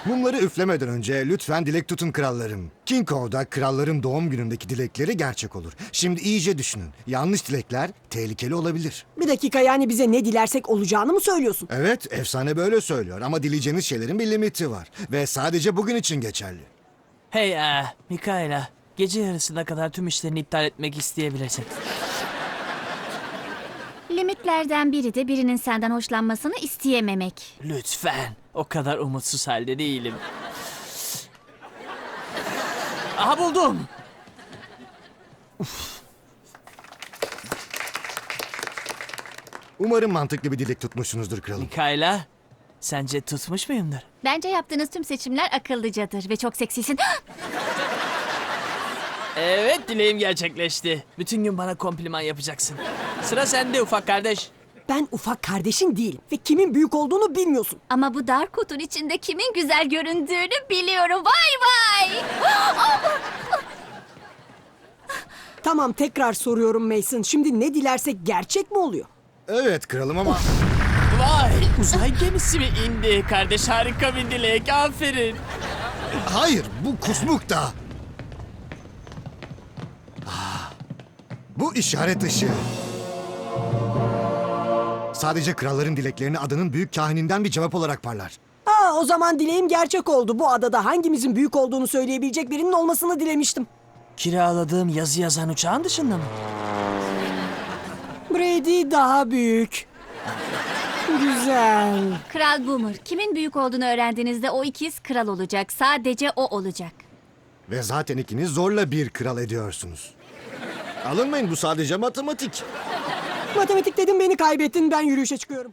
Mumları üflemeden önce lütfen dilek tutun krallarım. King Kong'da kralların doğum günündeki dilekleri gerçek olur. Şimdi iyice düşünün. Yanlış dilekler tehlikeli olabilir. Bir dakika, yani bize ne dilersek olacağını mı söylüyorsun? Evet, efsane böyle söylüyor ama dileyeceğiniz şeylerin bir limiti var. Ve sadece bugün için geçerli. Hey Mikaela, gece yarısına kadar tüm işlerini iptal etmek isteyebilirsin. Limitlerden biri de birinin senden hoşlanmasını isteyememek. Lütfen, o kadar umutsuz halde değilim. Aha buldum. Umarım mantıklı bir dilek tutmuşsunuzdur kralım. Mikaela, sence tutmuş muyumdur? Bence yaptığınız tüm seçimler akıllıcadır ve çok seksisin. Evet, dileğim gerçekleşti. Bütün gün bana kompliman yapacaksın. Sıra sende ufak kardeş. Ben ufak kardeşin değilim ve kimin büyük olduğunu bilmiyorsun. Ama bu dar kutun içinde kimin güzel göründüğünü biliyorum. Vay vay! Tamam, tekrar soruyorum Mason. Şimdi ne dilersek gerçek mi oluyor? Evet kralım ama... Vay, uzay gemisi mi indi? Kardeş harika bir dilek, aferin. Hayır, bu kusmuk da. Bu işaret ışığı. Sadece kralların dileklerini adanın büyük kahininden bir cevap olarak parlar. O zaman dileğim gerçek oldu. Bu adada hangimizin büyük olduğunu söyleyebilecek birinin olmasını dilemiştim. Kiraladığım yazı yazan uçağın dışında mı? Brady daha büyük. Güzel. Kral Boomer, kimin büyük olduğunu öğrendiğinizde o ikiz kral olacak. Sadece o olacak. Ve zaten ikiniz zorla bir kral ediyorsunuz. Alınmayın, bu sadece matematik. Matematik dedim, beni kaybettin. Ben yürüyüşe çıkıyorum.